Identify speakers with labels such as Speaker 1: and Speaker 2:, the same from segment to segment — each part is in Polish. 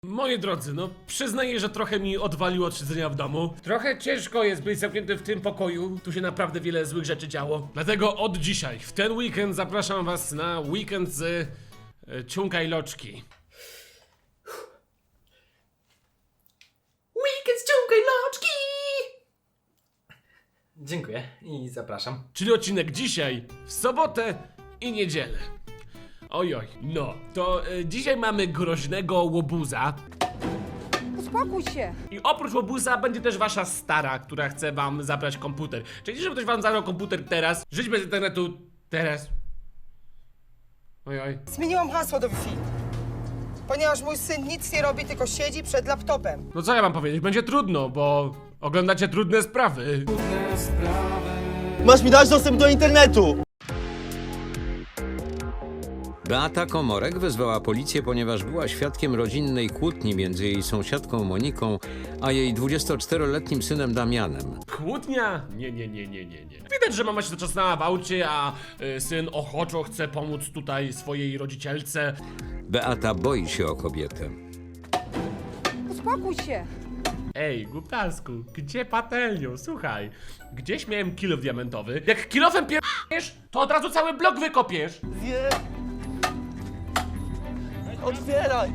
Speaker 1: Moi drodzy, no przyznaję, że trochę mi odwaliło od siedzenia w domu. Trochę ciężko jest być zamknięty w tym pokoju. Tu się naprawdę wiele złych rzeczy działo. Dlatego od dzisiaj, w ten weekend zapraszam was na weekend z Ciunka i Loczki.
Speaker 2: Weekend z Ciunka i Loczki! Dziękuję i zapraszam.
Speaker 1: Czyli odcinek dzisiaj, w sobotę i niedzielę. Ojoj, no, to dzisiaj mamy groźnego łobuza.
Speaker 3: Uspokój się!
Speaker 1: I oprócz łobuza będzie też wasza stara, która chce wam zabrać komputer. Czyli żeby ktoś wam zabrał komputer teraz, żyć bez internetu teraz. Ojoj.
Speaker 3: Zmieniłam hasło do Wi-Fi. Ponieważ mój syn nic nie robi, tylko siedzi przed laptopem.
Speaker 1: No co ja mam powiedzieć, będzie trudno, bo oglądacie trudne sprawy.
Speaker 4: Masz mi dać dostęp do internetu!
Speaker 5: Beata Komorek wezwała policję, ponieważ była świadkiem rodzinnej kłótni między jej sąsiadką Moniką, a jej 24-letnim synem Damianem.
Speaker 1: Kłótnia? Nie. Widać, że mama się zaczasnęła w aucie, a syn ochoczo chce pomóc tutaj swojej rodzicielce.
Speaker 5: Beata boi się o kobietę.
Speaker 3: Uspokój się!
Speaker 1: Ej, głuptasku, gdzie patelnią? Słuchaj, gdzieś miałem kilof diamentowy. Jak kilofem pierdolisz, to od razu cały blok wykopiesz.
Speaker 4: Nie! Otwieraj!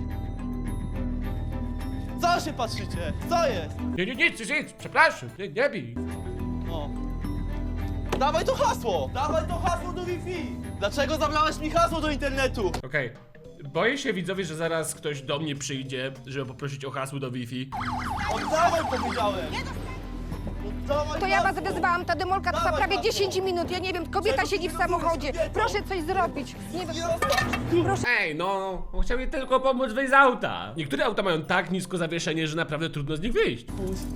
Speaker 4: Co się patrzycie? Co jest?
Speaker 1: Nic, przepraszam, nie bij.
Speaker 4: O. Dawaj to hasło! Dawaj to hasło do Wi-Fi! Dlaczego zabrałeś mi hasło do internetu?
Speaker 1: Okej. Boję się, widzowie, że zaraz ktoś do mnie przyjdzie, żeby poprosić o hasło do Wi-Fi.
Speaker 4: Oddawaj, powiedziałem! Oddawaj
Speaker 3: To ja was
Speaker 4: hasło!
Speaker 3: wezwałam, ta demolka trwa
Speaker 4: Dawaj,
Speaker 3: prawie
Speaker 4: hasło.
Speaker 3: 10 minut. Ja nie wiem, kobieta
Speaker 4: Czego
Speaker 3: siedzi
Speaker 4: ty
Speaker 3: w samochodzie.
Speaker 4: robisz, kobieto?
Speaker 3: Proszę coś zrobić. Nie wiem, proszę.
Speaker 1: Ej, no, chciał mi tylko pomóc wyjść z auta. Niektóre auta mają tak nisko zawieszenie, że naprawdę trudno z nich wyjść.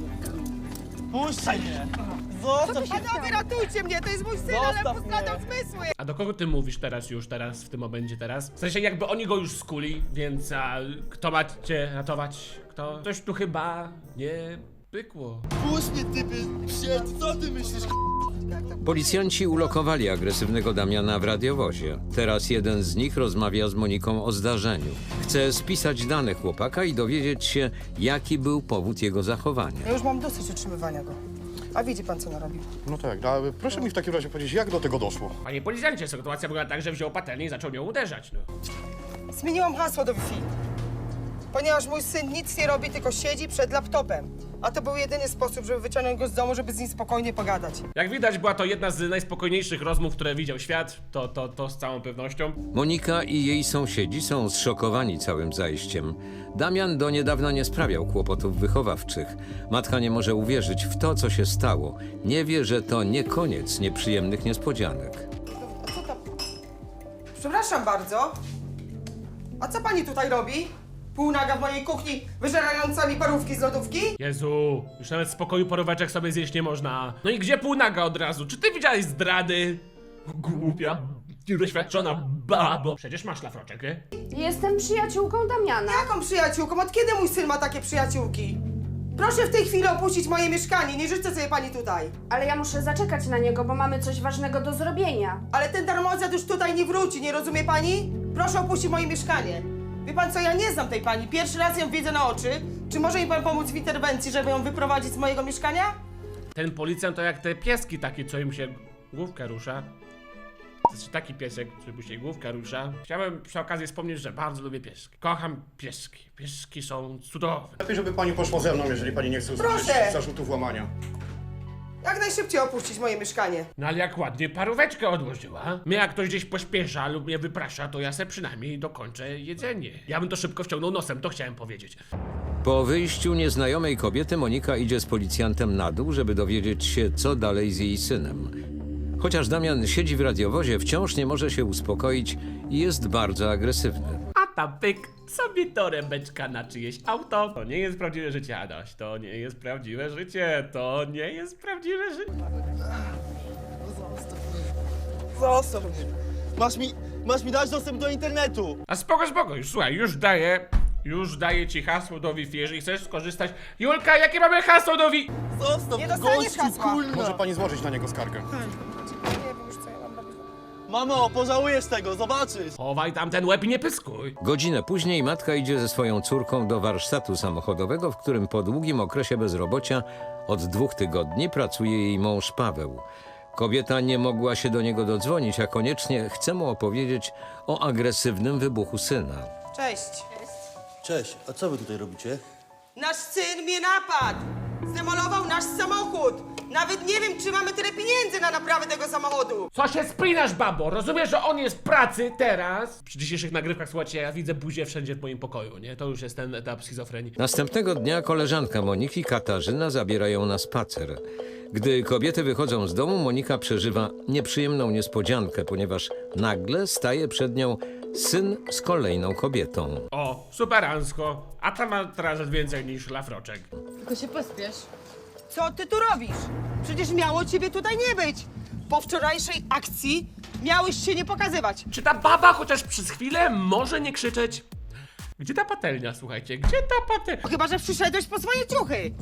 Speaker 4: Puśćcie mnie! Zostaw mnie!
Speaker 3: Panowie, ratujcie mnie, to jest mój syn, ale
Speaker 4: Zostaw
Speaker 3: postradał
Speaker 4: mnie.
Speaker 3: zmysły.
Speaker 1: A do kogo ty mówisz teraz, w tym momencie teraz? W sensie jakby oni go już skuli, więc kto ma cię ratować? Kto? Coś tu chyba nie pykło.
Speaker 4: Puść mnie, typy! Co ty myślisz?
Speaker 5: Policjanci ulokowali agresywnego Damiana w radiowozie. Teraz jeden z nich rozmawia z Moniką o zdarzeniu. Chce spisać dane chłopaka i dowiedzieć się, jaki był powód jego zachowania.
Speaker 3: Ja już mam dosyć utrzymywania go. A widzi pan, co narobił?
Speaker 6: No tak, a proszę mi w takim razie powiedzieć, jak do tego doszło?
Speaker 1: Panie policjancie, sytuacja wygląda tak, że wziął patelnię i zaczął nią uderzać, no.
Speaker 3: Zmieniłam hasło do Wi-Fi. Ponieważ mój syn nic nie robi, tylko siedzi przed laptopem. A to był jedyny sposób, żeby wyciągnąć go z domu, żeby z nim spokojnie pogadać.
Speaker 1: Jak widać, była to jedna z najspokojniejszych rozmów, które widział świat, to z całą pewnością.
Speaker 5: Monika i jej sąsiedzi są zszokowani całym zajściem. Damian do niedawna nie sprawiał kłopotów wychowawczych. Matka nie może uwierzyć w to, co się stało. Nie wie, że to nie koniec nieprzyjemnych niespodzianek.
Speaker 3: A co tam? Przepraszam bardzo. A co pani tutaj robi? Półnaga w mojej kuchni, wyżerająca mi parówki z lodówki?
Speaker 1: Jezu, już nawet w spokoju poróweczek sobie zjeść nie można. No i gdzie półnaga od razu? Czy ty widziałeś zdrady? Głupia, niedoświadczona babo. Przecież masz szlafroczek, nie?
Speaker 7: Jestem przyjaciółką Damiana.
Speaker 3: Jaką przyjaciółką? Od kiedy mój syn ma takie przyjaciółki? Proszę w tej chwili opuścić moje mieszkanie, nie życzę sobie pani tutaj.
Speaker 7: Ale ja muszę zaczekać na niego, bo mamy coś ważnego do zrobienia.
Speaker 3: Ale ten darmozjad już tutaj nie wróci, nie rozumie pani? Proszę opuścić moje mieszkanie. Wie pan co, ja nie znam tej pani, pierwszy raz ją widzę na oczy. Czy może mi pan pomóc w interwencji, żeby ją wyprowadzić z mojego mieszkania?
Speaker 1: Ten policjant to jak te pieski takie, co im się główka rusza. To jest taki piesek, który mu się główka rusza. Chciałem przy okazji wspomnieć, że bardzo lubię pieski. Kocham pieski. Pieski są cudowne.
Speaker 6: Lepiej, żeby pani poszła ze mną, jeżeli pani nie chce usłyszeć
Speaker 3: Proszę.
Speaker 6: zarzutów łamania.
Speaker 3: Jak najszybciej opuścić moje mieszkanie.
Speaker 1: No ale jak ładnie paróweczkę odłożyła. Mnie jak ktoś gdzieś pośpiesza lub mnie wyprasza, to ja se przynajmniej dokończę jedzenie. Ja bym to szybko wciągnął nosem, to chciałem powiedzieć.
Speaker 5: Po wyjściu nieznajomej kobiety Monika idzie z policjantem na dół, żeby dowiedzieć się, co dalej z jej synem. Chociaż Damian siedzi w radiowozie, wciąż nie może się uspokoić i jest bardzo agresywny.
Speaker 1: A tam pyk, sobie torebeczka na czyjeś auto. To nie jest prawdziwe życie, Adaś. To nie jest prawdziwe życie. To nie jest prawdziwe życie.
Speaker 4: Zostaw mnie! Masz mi dać dostęp do internetu!
Speaker 1: A spoko, już słuchaj, już daję ci hasło do Wi-Fi, jeżeli chcesz skorzystać. Julka, jakie mamy hasło do Wi-Fi?
Speaker 4: Zostaw
Speaker 3: Nie
Speaker 4: mnie,
Speaker 3: dostaniesz
Speaker 4: gościu,
Speaker 3: hasła.
Speaker 4: kurna!
Speaker 6: Może pani złożyć na niego skargę.
Speaker 3: Nie wiem już co ja mam robić.
Speaker 4: Mamo, pożałujesz tego, zobaczysz!
Speaker 1: Chowaj tam ten łeb i nie pyskuj.
Speaker 5: Godzinę później matka idzie ze swoją córką do warsztatu samochodowego, w którym po długim okresie bezrobocia od 2 tygodni pracuje jej mąż Paweł. Kobieta nie mogła się do niego dodzwonić, a koniecznie chce mu opowiedzieć o agresywnym wybuchu syna.
Speaker 3: Cześć.
Speaker 8: Cześć, a co wy tutaj robicie?
Speaker 3: Nasz syn mnie napadł. Zdemolował nasz samochód. Nawet nie wiem, czy mamy tyle pieniędzy na naprawę tego samochodu.
Speaker 1: Co się spinasz, babo? Rozumiesz, że on jest w pracy teraz? Przy dzisiejszych nagrywkach, słuchajcie, ja widzę buzię wszędzie w moim pokoju, nie? To już jest ten etap schizofrenii.
Speaker 5: Następnego dnia koleżanka Moniki, Katarzyna, zabiera ją na spacer. Gdy kobiety wychodzą z domu, Monika przeżywa nieprzyjemną niespodziankę, ponieważ nagle staje przed nią syn z kolejną kobietą.
Speaker 1: O, superancko. A ta ma teraz więcej niż szlafroczek.
Speaker 9: Tylko się pospiesz.
Speaker 3: Co ty tu robisz? Przecież miało ciebie tutaj nie być. Po wczorajszej akcji miałeś się nie pokazywać.
Speaker 1: Czy ta baba chociaż przez chwilę może nie krzyczeć? Gdzie ta patelnia, słuchajcie? Gdzie ta patelnia?
Speaker 3: Chyba że przyszedłeś po swoje ciuchy.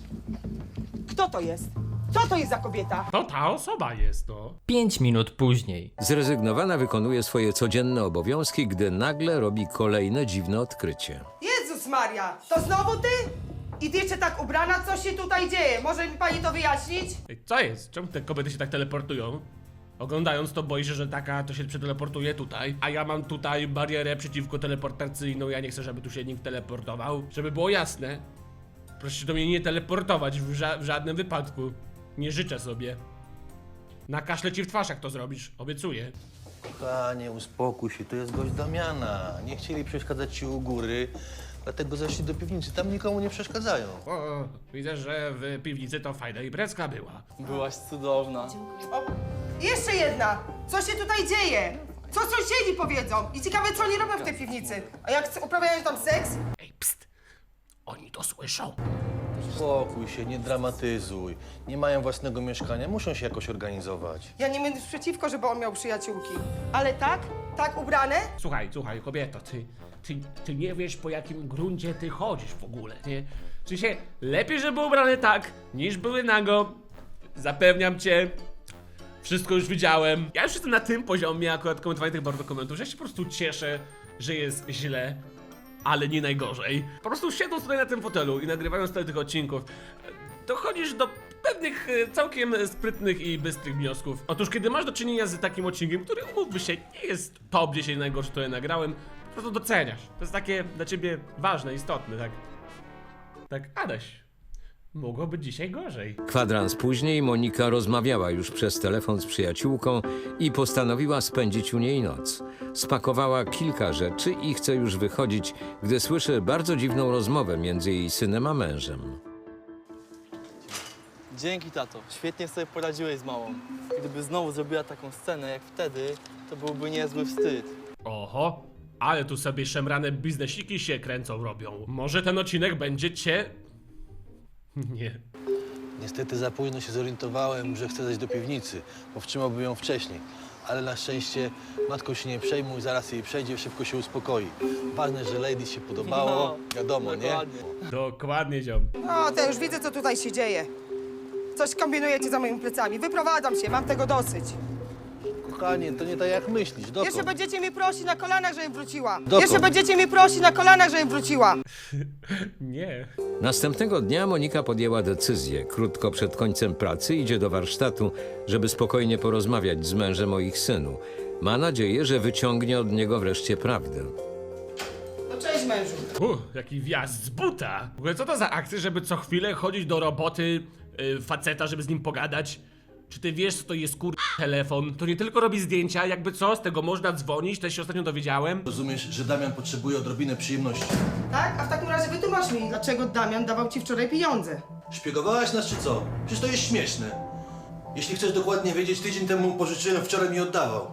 Speaker 3: Kto to jest? Co to jest za kobieta?
Speaker 1: To ta osoba jest, no.
Speaker 2: 5 minut później.
Speaker 5: Zrezygnowana wykonuje swoje codzienne obowiązki, gdy nagle robi kolejne dziwne odkrycie.
Speaker 3: Jezus Maria, to znowu ty? I ty jeszcze tak ubrana, co się tutaj dzieje? Może mi pani to wyjaśnić?
Speaker 1: Ej, co jest? Czemu te kobiety się tak teleportują? Oglądając to boisz się, że taka to się przeteleportuje tutaj, a ja mam tutaj barierę przeciwko teleportacyjną, ja nie chcę, żeby tu się nikt teleportował. Żeby było jasne, proszę się do mnie nie teleportować w żadnym wypadku. Nie życzę sobie. Nakaślę ci w twarz, jak to zrobisz, obiecuję.
Speaker 8: Kochanie, uspokój się, to jest gość Damiana. Nie chcieli przeszkadzać ci u góry, dlatego zeszli do piwnicy. Tam nikomu nie przeszkadzają.
Speaker 1: O, widzę, że w piwnicy to fajna imprezka była.
Speaker 4: Byłaś cudowna.
Speaker 3: O, jeszcze jedna. Co się tutaj dzieje? Co sąsiedzi powiedzą? I ciekawe, co oni robią w tej piwnicy. A jak uprawiają tam seks?
Speaker 1: Ej, pst! Oni to słyszą.
Speaker 8: Uspokój się, nie dramatyzuj. Nie mają własnego mieszkania, muszą się jakoś organizować.
Speaker 3: Ja nie będę przeciwko, żeby on miał przyjaciółki. Ale tak ubrane?
Speaker 1: Słuchaj, kobieto, ty nie wiesz, po jakim gruncie ty chodzisz w ogóle, nie? W sensie, lepiej, żeby były ubrane tak, niż były nago. Zapewniam cię. Wszystko już widziałem. Ja już jestem na tym poziomie akurat komentowania tych bardzo komentów, że ja się po prostu cieszę, że jest źle, ale nie najgorzej. Po prostu siedząc tutaj na tym fotelu i nagrywając tyle tych odcinków, dochodzisz do pewnych całkiem sprytnych i bystrych wniosków. Otóż kiedy masz do czynienia z takim odcinkiem, który umówmy się, nie jest top 10 najgorszy, które nagrałem, po prostu doceniasz. To jest takie dla ciebie ważne, istotne, tak? Tak, Adaś, mogło być dzisiaj gorzej.
Speaker 5: Kwadrans później Monika rozmawiała już przez telefon z przyjaciółką i postanowiła spędzić u niej noc. Spakowała kilka rzeczy i chce już wychodzić, gdy słyszy bardzo dziwną rozmowę między jej synem a mężem.
Speaker 4: Dzięki, tato. Świetnie sobie poradziłeś z małą. Gdyby znowu zrobiła taką scenę jak wtedy, to byłby niezły wstyd.
Speaker 1: Oho, ale tu sobie szemrane biznesiki się kręcą, robią. Może ten odcinek będzie cię... Nie.
Speaker 8: Niestety za późno się zorientowałem, że chcę zejść do piwnicy. Powstrzymałbym ją wcześniej. Ale na szczęście matką się nie przejmuj, zaraz jej przejdzie, szybko się uspokoi. Ważne, że ladies się podobało, wiadomo, nie?
Speaker 4: Dokładnie.
Speaker 1: Dokładnie, ziom.
Speaker 3: O, to już widzę, co tutaj się dzieje. Coś kombinujecie za moimi plecami. Wyprowadzam się, mam tego dosyć.
Speaker 8: Kochanie, to nie tak jak myślisz, dokąd?
Speaker 3: Jeszcze będziecie mnie prosić na kolanach, żebym wróciła.
Speaker 8: Dokąd?
Speaker 3: Jeszcze będziecie mnie prosić na kolanach, żebym wróciła.
Speaker 1: Nie.
Speaker 5: Następnego dnia Monika podjęła decyzję. Krótko przed końcem pracy idzie do warsztatu, żeby spokojnie porozmawiać z mężem o ich synu. Ma nadzieję, że wyciągnie od niego wreszcie prawdę.
Speaker 3: No cześć, mężu.
Speaker 1: Jaki wjazd z buta. W ogóle co to za akcja, żeby co chwilę chodzić do roboty faceta, żeby z nim pogadać? Czy ty wiesz, co to jest telefon? To nie tylko robi zdjęcia, jakby co, z tego można dzwonić, też się ostatnio dowiedziałem.
Speaker 8: Rozumiesz, że Damian potrzebuje odrobinę przyjemności.
Speaker 3: Tak? A w takim razie wytłumacz mi, dlaczego Damian dawał ci wczoraj pieniądze.
Speaker 8: Szpiegowałaś nas czy co? Przecież to jest śmieszne. Jeśli chcesz dokładnie wiedzieć, tydzień temu mu pożyczyłem, wczoraj mi oddawał.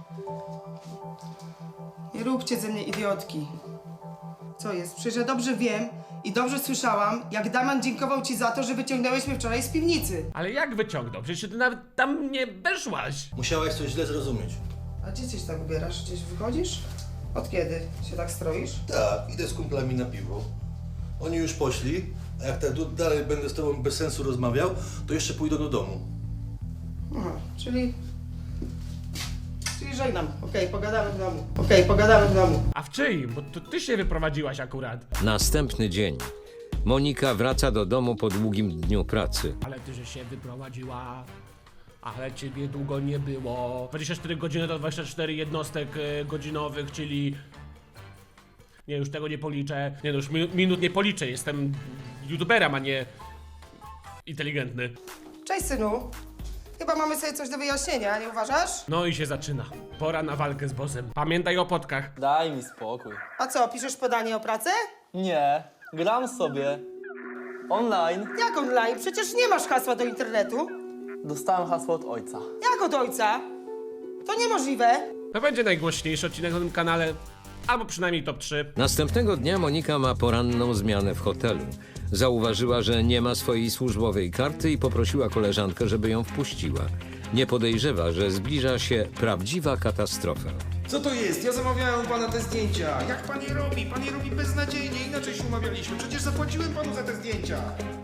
Speaker 3: Nie róbcie ze mnie idiotki. Co jest? Przecież ja dobrze wiem i dobrze słyszałam, jak Damian dziękował ci za to, że wyciągnąłeś mnie wczoraj z piwnicy.
Speaker 1: Ale jak wyciągnął? Przecież ty nawet tam nie weszłaś.
Speaker 8: Musiałaś coś źle zrozumieć.
Speaker 3: A gdzie się tak ubierasz? Gdzieś wychodzisz? Od kiedy się tak stroisz?
Speaker 8: Tak, idę z kumplami na piwo. Oni już poszli, a jak tak dalej będę z tobą bez sensu rozmawiał, to jeszcze pójdę do domu.
Speaker 3: Aha, czyli Czyli żegnam. Okej, pogadamy w domu. Okej, pogadamy w domu.
Speaker 1: A w czyim? Bo to ty się wyprowadziłaś akurat.
Speaker 5: Następny dzień. Monika wraca do domu po długim dniu pracy.
Speaker 1: Ale ty, że się wyprowadziła. Ale ciebie długo nie było. 24 godziny to 24 jednostek godzinowych, czyli... Nie, już tego nie policzę. Nie, no już minut nie policzę. Jestem youtuberem, a nie... inteligentny.
Speaker 3: Cześć, synu. Chyba mamy sobie coś do wyjaśnienia, nie uważasz?
Speaker 1: No i się zaczyna. Pora na walkę z bossem. Pamiętaj o potkach.
Speaker 4: Daj mi spokój.
Speaker 3: A co, piszesz podanie o pracę?
Speaker 4: Nie, gram sobie. Online.
Speaker 3: Jak online? Przecież nie masz hasła do internetu.
Speaker 4: Dostałem hasło od ojca.
Speaker 3: Jak od ojca? To niemożliwe.
Speaker 1: To będzie najgłośniejszy odcinek na tym kanale. Albo przynajmniej top 3.
Speaker 5: Następnego dnia Monika ma poranną zmianę w hotelu. Zauważyła, że nie ma swojej służbowej karty i poprosiła koleżankę, żeby ją wpuściła. Nie podejrzewa, że zbliża się prawdziwa katastrofa.
Speaker 9: Co to jest? Ja zamawiałem u pana te zdjęcia. Jak pan je robi? Pan je robi beznadziejnie, inaczej się umawialiśmy. Przecież zapłaciłem panu za te zdjęcia.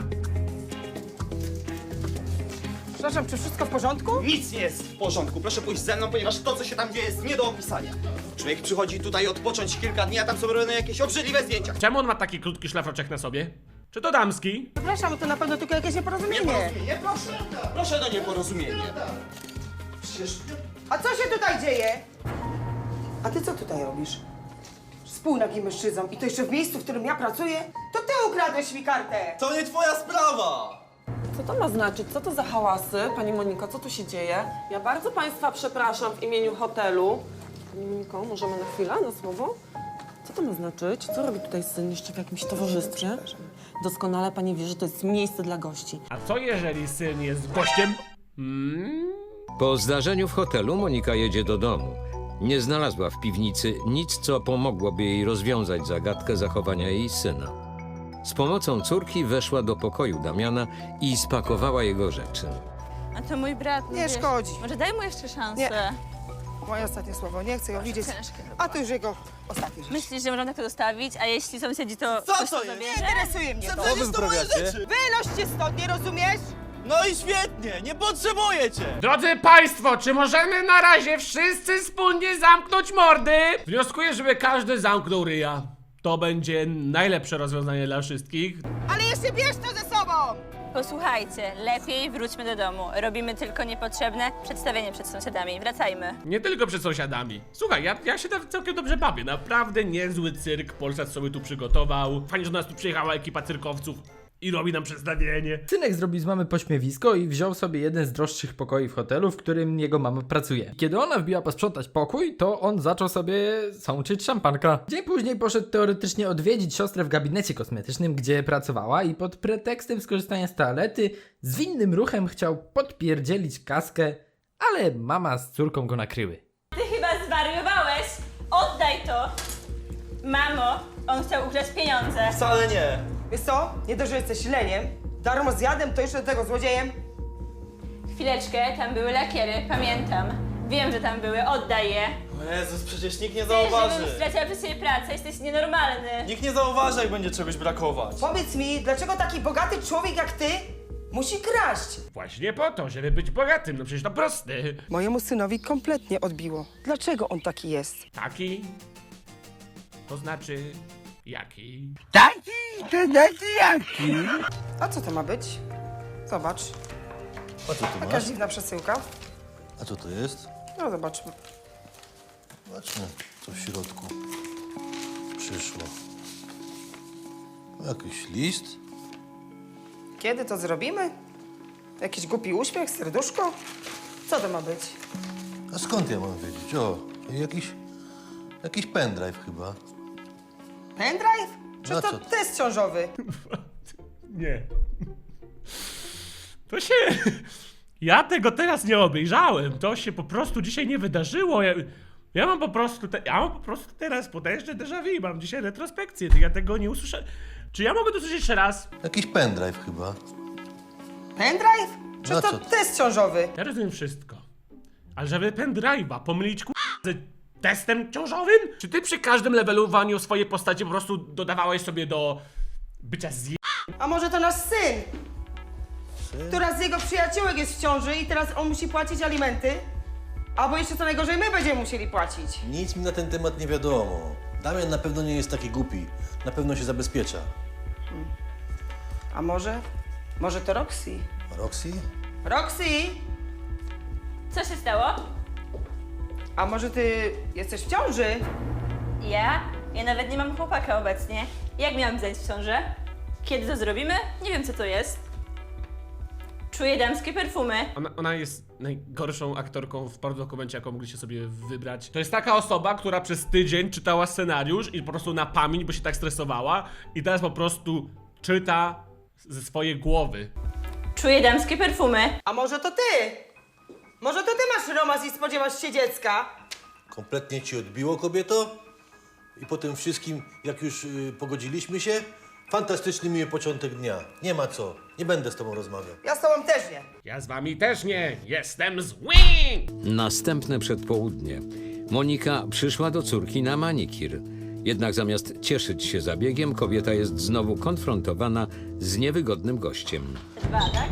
Speaker 3: Przepraszam, czy wszystko w porządku?
Speaker 10: Nic nie jest w porządku, proszę pójść ze mną, ponieważ to, co się tam dzieje, jest nie do opisania. Człowiek przychodzi tutaj odpocząć kilka dni, a tam są robione jakieś obrzydliwe zdjęcia.
Speaker 1: Czemu on ma taki krótki szlafroczek na sobie? Czy to damski?
Speaker 3: Przepraszam, to na pewno tylko jakieś nieporozumienie.
Speaker 10: Nieporozumienie, proszę. Proszę do nieporozumienia.
Speaker 3: Przecież... A co się tutaj dzieje? A ty co tutaj robisz? Współnagi mężczyzną i to jeszcze w miejscu, w którym ja pracuję? To ty ukradłeś mi kartę!
Speaker 4: To nie twoja sprawa!
Speaker 11: Co to ma znaczyć? Co to za hałasy? Pani Moniko, co tu się dzieje? Ja bardzo Państwa przepraszam w imieniu hotelu. Pani Moniko, możemy na chwilę, na słowo? Co to ma znaczyć? Co robi tutaj syn jeszcze w jakimś towarzystwie? Doskonale Pani wie, że to jest miejsce dla gości.
Speaker 1: A co jeżeli syn jest gościem?
Speaker 5: Po zdarzeniu w hotelu Monika jedzie do domu. Nie znalazła w piwnicy nic, co pomogłoby jej rozwiązać zagadkę zachowania jej syna. Z pomocą córki weszła do pokoju Damiana i spakowała jego rzeczy.
Speaker 12: A to mój brat.
Speaker 3: Nie szkodzi.
Speaker 12: Może daj mu jeszcze szansę.
Speaker 3: Nie. Moje ostatnie słowo, nie chcę ją widzieć. A to już jego ostatnie rzecz.
Speaker 12: Myślisz, że można tak to zostawić, a jeśli sąsiedzi to
Speaker 4: Co
Speaker 12: ktoś
Speaker 4: to
Speaker 12: to
Speaker 4: jest?
Speaker 3: Nie
Speaker 12: zabierze?
Speaker 3: interesuje mnie to.
Speaker 4: Zabraliście to moje rzeczy!
Speaker 3: Wynoście stąd, nie rozumiesz?
Speaker 4: No i świetnie, nie potrzebuję cię!
Speaker 1: Drodzy Państwo, czy możemy na razie wszyscy wspólnie zamknąć mordy? Wnioskuję, żeby każdy zamknął ryja. To będzie najlepsze rozwiązanie dla wszystkich.
Speaker 3: Ale jeszcze bierz to ze sobą!
Speaker 12: Posłuchajcie, lepiej wróćmy do domu. Robimy tylko niepotrzebne przedstawienie przed sąsiadami. Wracajmy.
Speaker 1: Nie tylko przed sąsiadami. Słuchaj, ja się tam całkiem dobrze bawię. Naprawdę niezły cyrk Polsat sobie tu przygotował. Fajnie, że do nas tu przyjechała ekipa cyrkowców i robi nam przedstawienie.
Speaker 13: Synek zrobił z mamy pośmiewisko i wziął sobie jeden z droższych pokoi w hotelu, w którym jego mama pracuje. Kiedy ona wbiła posprzątać pokój, to on zaczął sobie sączyć szampanka. Dzień później poszedł teoretycznie odwiedzić siostrę w gabinecie kosmetycznym, gdzie pracowała i pod pretekstem skorzystania z toalety zwinnym ruchem chciał podpierdzielić kaskę, ale mama z córką go nakryły.
Speaker 12: Ty chyba zwariowałeś! Oddaj to! Mamo, on chciał ukraść pieniądze.
Speaker 4: Wcale nie.
Speaker 3: Wiesz co? Nie dość, że jesteś leniem, darmozjadem, to jeszcze do tego złodziejem.
Speaker 12: Chwileczkę, tam były lakiery, pamiętam. Wiem, że tam były, oddaj je.
Speaker 4: O Jezus, przecież nikt nie
Speaker 12: Ty,
Speaker 4: zauważy.
Speaker 12: żebym straciła przez ciebie pracę, jesteś nienormalny.
Speaker 4: Nikt nie zauważy, jak będzie czegoś brakować.
Speaker 3: Powiedz mi, dlaczego taki bogaty człowiek jak ty musi kraść?
Speaker 1: Właśnie po to, żeby być bogatym. No przecież to proste.
Speaker 3: Mojemu synowi kompletnie odbiło. Dlaczego on taki jest?
Speaker 1: Taki? To znaczy... jaki?
Speaker 3: A co to ma być? Zobacz,
Speaker 8: A co tu
Speaker 3: jakaś
Speaker 8: masz?
Speaker 3: dziwna przesyłka.
Speaker 8: A co to jest?
Speaker 3: No zobaczmy.
Speaker 8: Zobaczmy, co w środku przyszło. Jakiś list?
Speaker 3: Kiedy to zrobimy? Jakiś głupi uśmiech, serduszko? Co to ma być?
Speaker 8: A skąd ja mam wiedzieć? O, jakiś pendrive chyba.
Speaker 3: Pendrive? Czy
Speaker 8: No
Speaker 3: to
Speaker 8: co?
Speaker 3: test ciążowy?
Speaker 1: Nie. To się... Ja tego teraz nie obejrzałem. To się po prostu dzisiaj nie wydarzyło. Ja mam po prostu teraz potężne déjà vu. Mam dzisiaj retrospekcję. Ja tego nie usłyszę. Czy ja mogę to usłyszeć jeszcze raz?
Speaker 8: Jakiś pendrive chyba.
Speaker 3: Pendrive? Czy
Speaker 8: No
Speaker 3: to
Speaker 8: co?
Speaker 3: test ciążowy?
Speaker 1: Ja rozumiem wszystko. Ale żeby pendrive'a pomylić z testem ciążowym? Czy ty przy każdym levelowaniu swojej postaci po prostu dodawałeś sobie do bycia
Speaker 3: A może to nasz syn? Która z jego przyjaciółek jest w ciąży i teraz on musi płacić alimenty? Albo jeszcze co najgorzej, my będziemy musieli płacić.
Speaker 8: Nic mi na ten temat nie wiadomo. Damian na pewno nie jest taki głupi. Na pewno się zabezpiecza.
Speaker 3: A może? Może to Roxy?
Speaker 8: Roxy?
Speaker 3: Roxy!
Speaker 12: Co się stało?
Speaker 3: A może ty jesteś w ciąży?
Speaker 12: Ja? Ja nawet nie mam chłopaka obecnie. Jak miałam zajść w ciążę? Kiedy to zrobimy? Nie wiem, co to jest. Czuję damskie perfumy.
Speaker 1: Ona jest najgorszą aktorką w dokumencie, jaką mogliście sobie wybrać. To jest taka osoba, która przez tydzień czytała scenariusz i po prostu na pamięć, bo się tak stresowała i teraz po prostu czyta ze swojej głowy.
Speaker 12: Czuję damskie perfumy.
Speaker 3: A może to ty? Może to ty masz romans i spodziewasz się dziecka?
Speaker 8: Kompletnie ci odbiło, kobieto? I po tym wszystkim, jak już pogodziliśmy się, fantastyczny miły początek dnia. Nie ma co. Nie będę z tobą rozmawiał.
Speaker 3: Ja z tobą też nie.
Speaker 1: Ja z wami też nie. Jestem zły!
Speaker 5: Następne przedpołudnie. Monika przyszła do córki na manikir. Jednak zamiast cieszyć się zabiegiem, kobieta jest znowu konfrontowana z niewygodnym gościem.
Speaker 12: 2, tak?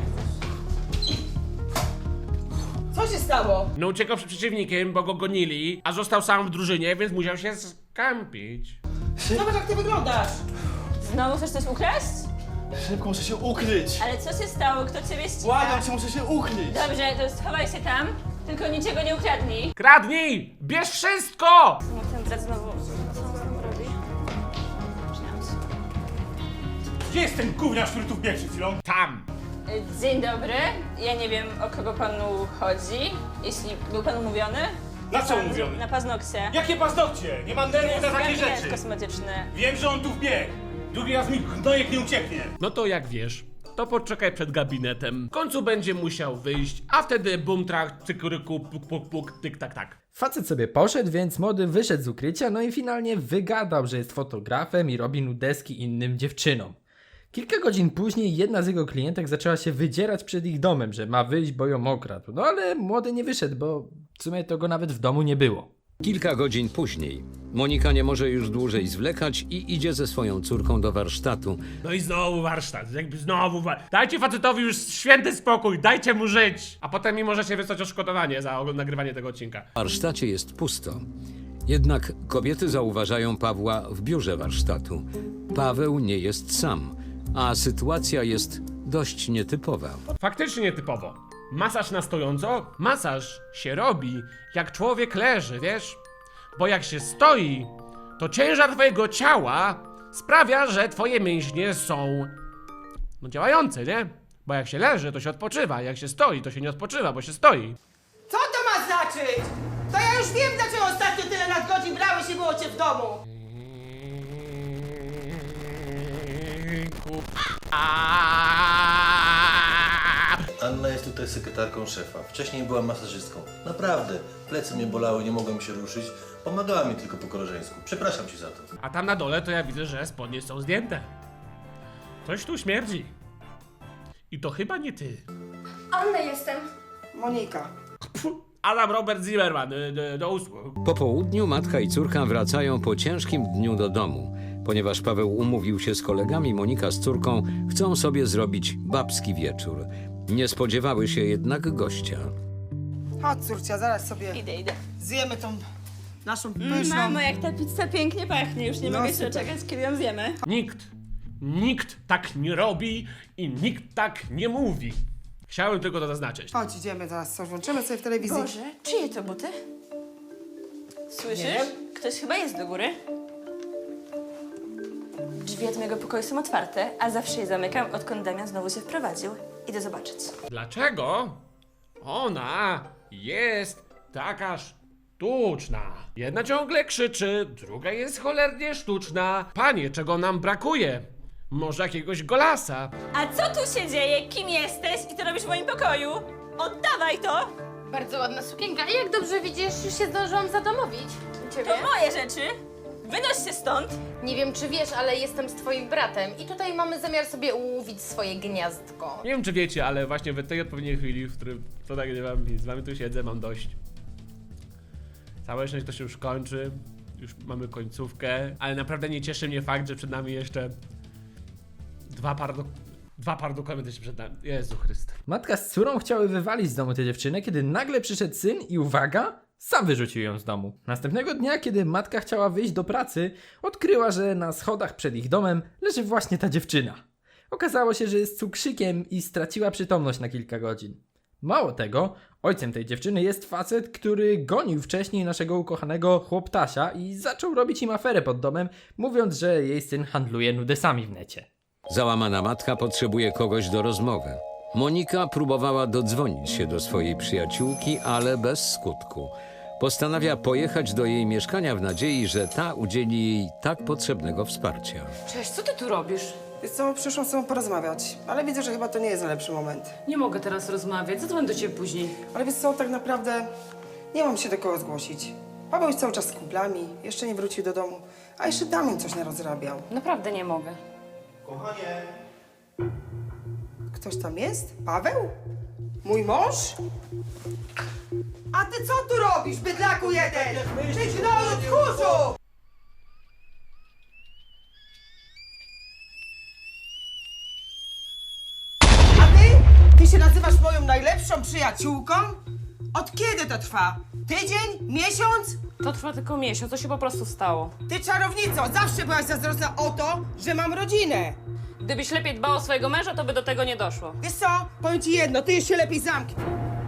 Speaker 3: Co się stało?
Speaker 1: No uciekał przed przeciwnikiem, bo go gonili, a został sam w drużynie, więc musiał się skampić.
Speaker 3: Zobacz, jak ty wyglądasz.
Speaker 12: Znowu chcesz coś ukraść?
Speaker 4: Szybko, muszę się ukryć.
Speaker 12: Ale co się stało? Kto ciebie ściga?
Speaker 4: Błagam cię, muszę się ukryć.
Speaker 12: Dobrze, to schowaj się tam, tylko niczego nie ukradnij.
Speaker 1: Kradnij! Bierz wszystko!
Speaker 12: No ten brat znowu... Co on znowu robi?
Speaker 9: Gdzie jest ten gówniarz, który tu wbiegł przed chwilą?
Speaker 1: Tam!
Speaker 12: Dzień dobry. Ja nie wiem, o kogo panu chodzi. Jeśli był pan umówiony?
Speaker 9: Na co
Speaker 12: Pan-
Speaker 9: umówiony?
Speaker 12: Na paznokcie.
Speaker 9: Jakie paznokcie? Nie mam nerwów na takie
Speaker 12: Gabinet
Speaker 9: rzeczy.
Speaker 12: kosmetyczny.
Speaker 9: Wiem, że on tu wbiegł. Drugi raz mi gnojek nie ucieknie.
Speaker 1: No to jak wiesz, to poczekaj przed gabinetem. W końcu będzie musiał wyjść, a wtedy bum trach, cykuryku, puk puk puk, tyk tak tak.
Speaker 13: Facet sobie poszedł, więc młody wyszedł z ukrycia, no i finalnie wygadał, że jest fotografem i robi nudeski innym dziewczynom. Kilka godzin później jedna z jego klientek zaczęła się wydzierać przed ich domem, że ma wyjść, bo ją okradł. No ale młody nie wyszedł, bo w sumie to go nawet w domu nie było.
Speaker 5: Kilka godzin później. Monika nie może już dłużej zwlekać i idzie ze swoją córką do warsztatu.
Speaker 1: No i znowu warsztat, jakby znowu Dajcie facetowi już święty spokój, dajcie mu żyć! A potem mi możecie wysłać odszkodowanie za nagrywanie tego odcinka.
Speaker 5: W warsztacie jest pusto. Jednak kobiety zauważają Pawła w biurze warsztatu. Paweł nie jest sam, a sytuacja jest dość nietypowa.
Speaker 1: Faktycznie nietypowo. Masaż na stojąco? Masaż się robi, jak człowiek leży, wiesz? Bo jak się stoi, to ciężar twojego ciała sprawia, że twoje mięśnie są działające, nie? Bo jak się leży, to się odpoczywa, jak się stoi, to się nie odpoczywa, bo się stoi.
Speaker 3: Co to ma znaczyć? To ja już wiem, dlaczego ostatnio tyle nadgodzin brałeś i było cię w domu.
Speaker 8: Anna jest tutaj sekretarką szefa. Wcześniej była masażystką. Naprawdę. Plecy mnie bolały, nie mogłem się ruszyć. Pomagała mi tylko po koleżeńsku. Przepraszam ci za to.
Speaker 1: A tam na dole to ja widzę, że spodnie są zdjęte. Coś tu śmierdzi. I to chyba nie ty.
Speaker 7: Anna jestem.
Speaker 3: Monika.
Speaker 1: Adam Robert Zimmerman, do usług.
Speaker 5: Po południu matka i córka wracają po ciężkim dniu do domu. Ponieważ Paweł umówił się z kolegami, Monika z córką chcą sobie zrobić babski wieczór. Nie spodziewały się jednak gościa.
Speaker 3: Chodź, córcia, zaraz sobie
Speaker 12: Idę.
Speaker 3: zjemy tą naszą pyszną...
Speaker 12: Mamo, jak ta pizza pięknie pachnie. Już nie
Speaker 3: No,
Speaker 12: mogę się
Speaker 3: super.
Speaker 12: doczekać, kiedy ją zjemy.
Speaker 1: Nikt tak nie robi i nikt tak nie mówi. Chciałem tylko to zaznaczyć.
Speaker 3: Chodź, idziemy zaraz, coś włączymy sobie w telewizji.
Speaker 12: Boże, czyje to buty? Słyszysz?
Speaker 3: Nie wiem.
Speaker 12: Ktoś chyba jest do góry. Drzwi od mojego pokoju są otwarte, a zawsze je zamykam, odkąd Damian znowu się wprowadził. Idę zobaczyć.
Speaker 1: Dlaczego ona jest taka sztuczna? Jedna ciągle krzyczy, druga jest cholernie sztuczna. Panie, czego nam brakuje? Może jakiegoś golasa?
Speaker 12: A co tu się dzieje? Kim jesteś i co robisz w moim pokoju? Oddawaj to!
Speaker 7: Bardzo ładna sukienka. I jak dobrze widzisz, już się zdążyłam zadomowić. Ciebie?
Speaker 12: To moje rzeczy! Wynoś się stąd!
Speaker 7: Nie wiem, czy wiesz, ale jestem z twoim bratem i tutaj mamy zamiar sobie ułowić swoje gniazdko.
Speaker 1: Nie wiem, czy wiecie, ale właśnie w tej odpowiedniej chwili, w którym to nagrywam i z wami tu siedzę, mam dość. Całe szczęście to się już kończy. Już mamy końcówkę, ale naprawdę nie cieszy mnie fakt, że przed nami jeszcze dwa par dokumenty się przed nami. Jezu Chryste.
Speaker 13: Matka z córą chciały wywalić z domu tę dziewczynę, kiedy nagle przyszedł syn i uwaga, sam wyrzucił ją z domu. Następnego dnia, kiedy matka chciała wyjść do pracy, odkryła, że na schodach przed ich domem leży właśnie ta dziewczyna. Okazało się, że jest cukrzykiem i straciła przytomność na kilka godzin. Mało tego, ojcem tej dziewczyny jest facet, który gonił wcześniej naszego ukochanego chłoptasia i zaczął robić im aferę pod domem, mówiąc, że jej syn handluje nudesami w necie.
Speaker 5: Załamana matka potrzebuje kogoś do rozmowy. Monika próbowała dodzwonić się do swojej przyjaciółki, ale bez skutku. Postanawia pojechać do jej mieszkania w nadziei, że ta udzieli jej tak potrzebnego wsparcia.
Speaker 11: Cześć, co ty tu robisz?
Speaker 3: Wiesz co, przyszłam z tobą porozmawiać, ale widzę, że chyba to nie jest najlepszy moment.
Speaker 11: Nie mogę teraz rozmawiać, zadzwoń do ciebie później.
Speaker 3: Ale wiesz co, tak naprawdę nie mam się do kogo zgłosić. Paweł jest cały czas z kumplami, jeszcze nie wrócił do domu, a jeszcze Damian coś narozrabiał.
Speaker 11: Naprawdę nie mogę.
Speaker 4: Kochanie!
Speaker 3: Ktoś tam jest? Paweł? Mój mąż? A ty co tu robisz, bydlaku jeden? Przyjdź do mnie, tchórzu! A ty? Ty się nazywasz moją najlepszą przyjaciółką? Od kiedy to trwa? Tydzień? Miesiąc?
Speaker 11: To trwa tylko miesiąc, to się po prostu stało.
Speaker 3: Ty czarownico, zawsze byłaś zazdrosna o to, że mam rodzinę.
Speaker 11: Gdybyś lepiej dbał o swojego męża, to by do tego nie doszło.
Speaker 3: Wiesz co? Powiem ci jedno, ty już się lepiej zamknij.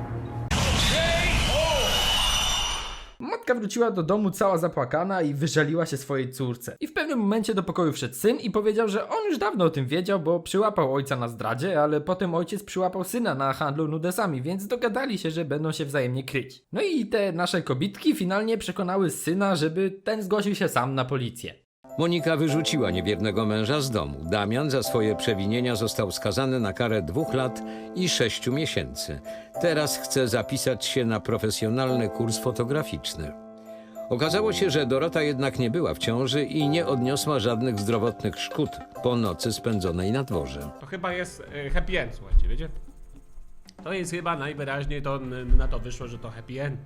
Speaker 13: Matka wróciła do domu cała zapłakana i wyżaliła się swojej córce. I w pewnym momencie do pokoju wszedł syn i powiedział, że on już dawno o tym wiedział, bo przyłapał ojca na zdradzie, ale potem ojciec przyłapał syna na handlu nudesami, więc dogadali się, że będą się wzajemnie kryć. No i te nasze kobitki finalnie przekonały syna, żeby ten zgłosił się sam na policję.
Speaker 5: Monika wyrzuciła niewiernego męża z domu. Damian za swoje przewinienia został skazany na karę 2 lat i 6 miesięcy. Teraz chce zapisać się na profesjonalny kurs fotograficzny. Okazało się, że Dorota jednak nie była w ciąży i nie odniosła żadnych zdrowotnych szkód po nocy spędzonej na dworze.
Speaker 1: To chyba jest happy end, słuchajcie, wiecie? To jest chyba najwyraźniej to na to wyszło, że to happy end.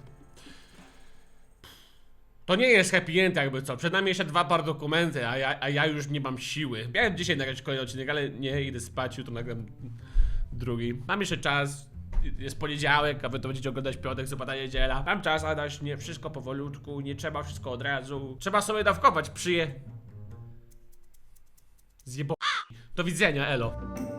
Speaker 1: To nie jest happy end jakby co, przed nami jeszcze 2 par dokumenty, a ja już nie mam siły. Miałem dzisiaj nagrać kolejny odcinek, ale nie, idę spać, jutro nagram drugi. Mam jeszcze czas, jest poniedziałek, a wy to będziecie oglądać piątek, sobota, niedziela. Mam czas, Adaś, nie wszystko powolutku, nie trzeba wszystko od razu. Trzeba sobie dawkować, Do widzenia, elo.